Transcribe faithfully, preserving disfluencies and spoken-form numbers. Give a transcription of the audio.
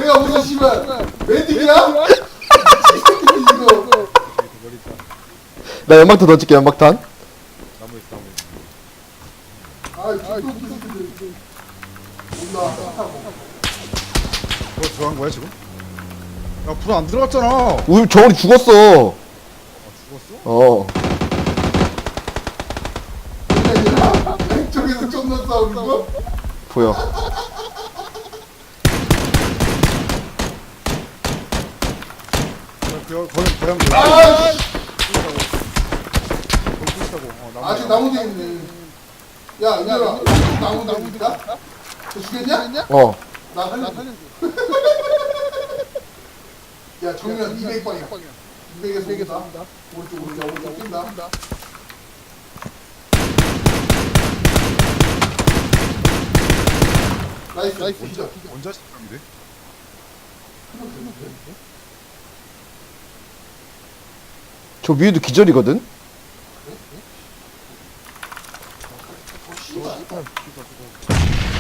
내가 무슨 씨발 메딕이야? 이거 나 연막탄 던질게 연막탄. 나무 있어 나무 있어. 아 죽도 웃기지 온나 뭐 들어간 거야 지금? 야 불 안 들어갔잖아. 아 우리 정원이 죽었어. 죽었어? 어. 왼쪽에서 존나 싸우는 거? 보여. 그 거기 고양 들 아 거기 있다고. 어 나무. 아직 나무 뒤에 있네 야 이년아 나무 나무 있다? 너 죽였냐? 어. 나 살려줘 야 정면 이백 방이야 이백에서 오겠다 오른쪽 오른쪽 오른쪽 뛴다 나이스 나이스 진짜 언제 시작인데? 저 위에도 기절이거든. 어 씨발